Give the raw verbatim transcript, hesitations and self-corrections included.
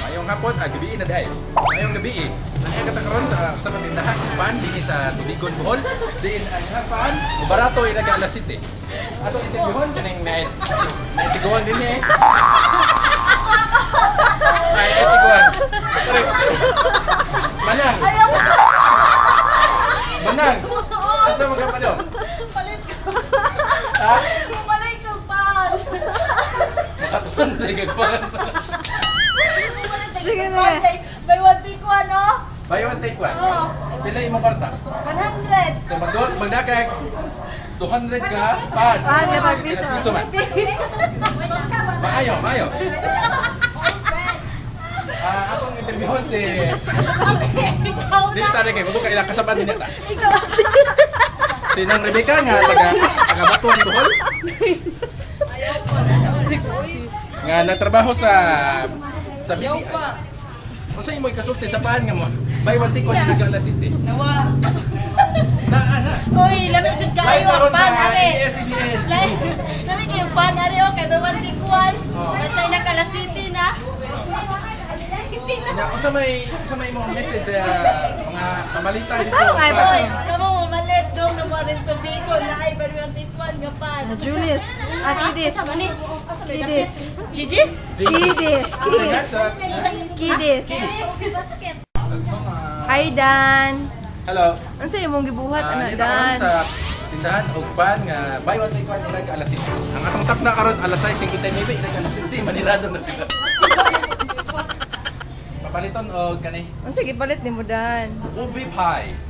Mayong hapon, ah, gabi na dahil. Mayong gabi eh. Naniya ka karon sa sa patindahan, pan dinhi sa Tubigon, Bohol. Diin ang hapan, barato ina ga alas siyete. Ato interviewon kining night. Night tiguan din eh. Ay, ay tiguan. Correct. Manang. Manang. Asa mo ka pa daw? Palit ko. Ha? Palit ko pan. Aton na gagpan. Sige na. May one take one, oh. Buy one take one. Oo. Pila imong kwarta? one hundred. So magdot magdakay two hundred ka pan. Pan nga magpiso. Piso man. Maayo, maayo. Ah, akong interviewon si Ikaw Dito na. tayo kay magbuka ilang kasaban din yata. Si Nang Rebecca nga taga taga Batuan, Bohol. Nga nagtrabaho sa sa B C I. Unsa imoy kasulti sa paan nga mo? Buy one take one in Nagala City. Nawa. Naa na. Uy, lamig jud Buy kayo karon ang pan sa are. A B S C B N. Lamig kayo ang pan are, oh. Kay may one take one. Basta ina Kala City na. City na. Nya unsa may unsa may imong message sa mga pamalita dito? Ay, Pa- Uy, kamo mamalit dong na mo rin tubigo na ay bari one take one nga pan. Julius. At Kidis. Asa man ni? Kidis. Gigis? Kidis. Unsa nga sa Kidis. Basket. tagnong, ah, Hi, Dan. Hello. Ano sa'yo mong gibuhat, Ah, anak dito karon Dan? sa tindahan og pan nga buy one take one ilag alas siyete. Ang atong takna karon alas sais fifty-nine ilag alas siyete manirado na sila. Papaliton og kani Ano sige palit ni mo, Dan? ubi pie.